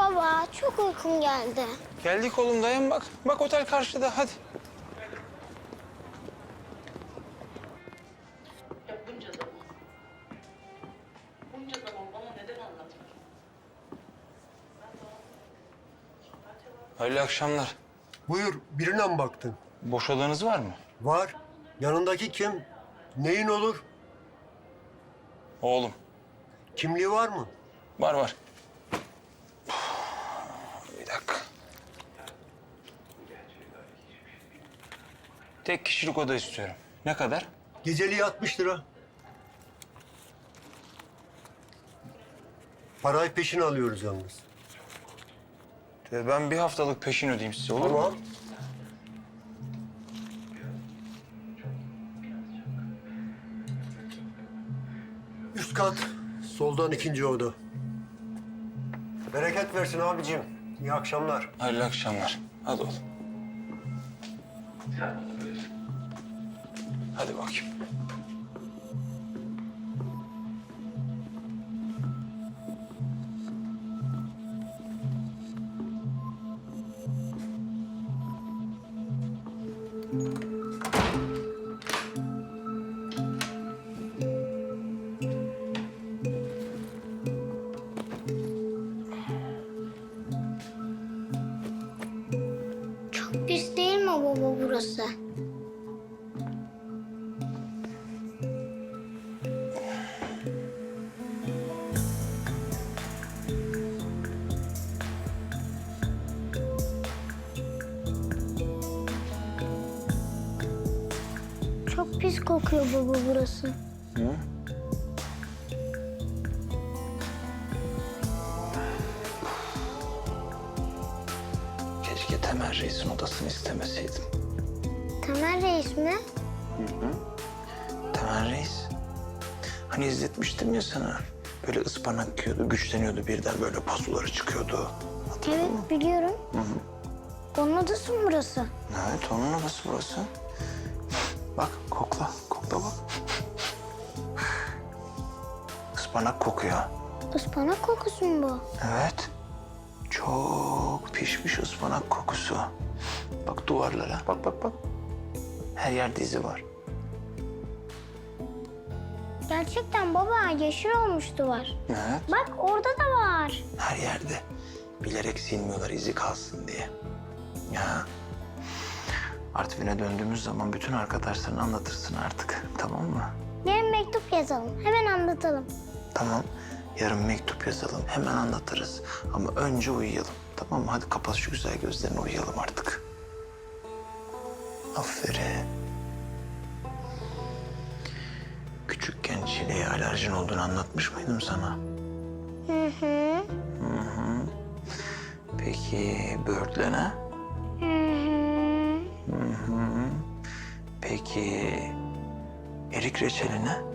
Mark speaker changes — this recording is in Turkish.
Speaker 1: Baba çok uykum geldi.
Speaker 2: Geldik oğlum, dayan bak. Bak otel karşıda, hadi.
Speaker 3: Ya bunca zaman. Bunca zaman bana neden anlatmadın?
Speaker 2: Hayırlı akşamlar.
Speaker 4: Buyur, birine mi baktın?
Speaker 2: Boş odanız var mı?
Speaker 4: Var. Yanındaki kim? Neyin olur?
Speaker 2: Oğlum.
Speaker 4: Kimliği var mı?
Speaker 2: Var var. Bir dakika. Tek kişilik oda istiyorum. Ne kadar?
Speaker 4: Geceliği 60 lira. Parayı peşin alıyoruz yalnız.
Speaker 2: Ben bir haftalık peşin ödeyeyim size, olur mu?
Speaker 4: Tamam. Üst kat, soldan ikinci oda. Bereket versin abicim. İyi akşamlar.
Speaker 2: Hayırlı akşamlar. Hadi oğlum. Hadi bakayım.
Speaker 1: Çok pis değil mi baba burası? Çok pis kokuyor baba burası.
Speaker 2: Hı? Keşke Temel Reis'in odasını istemeseydim.
Speaker 1: Temel Reis mi?
Speaker 2: Temel Reis. Hani izletmiştim ya sana. Böyle ıspanak yiyordu, güçleniyordu, birden böyle pazuları çıkıyordu.
Speaker 1: Evet biliyorum. Onun odası mı burası?
Speaker 2: Evet, onun odası burası. Bak, kokla, kokla bak. Ispanak kokuyor.
Speaker 1: Ispanak kokusu mu bu?
Speaker 2: Evet. Çok pişmiş ıspanak kokusu. Bak duvarlara, bak bak bak. Her yerde izi var.
Speaker 1: Gerçekten baba yeşil olmuş duvar.
Speaker 2: Evet.
Speaker 1: Bak orada da var.
Speaker 2: Her yerde. Bilerek silmiyorlar izi kalsın diye. Ya. Artvin'e döndüğümüz zaman bütün arkadaşlarına anlatırsın artık. Tamam mı?
Speaker 1: Yarın mektup yazalım. Hemen anlatalım.
Speaker 2: Tamam. Yarın mektup yazalım. Hemen anlatırız. Ama önce uyuyalım. Tamam mı? Hadi kapat şu güzel gözlerini, uyuyalım artık. Aferin. Küçükken çileğe alerjin olduğunu anlatmış mıydım sana?
Speaker 1: Hı hı.
Speaker 2: Hı hı. Peki böğürtlene?
Speaker 1: Hı hı.
Speaker 2: Hı hı. Peki erik reçeline?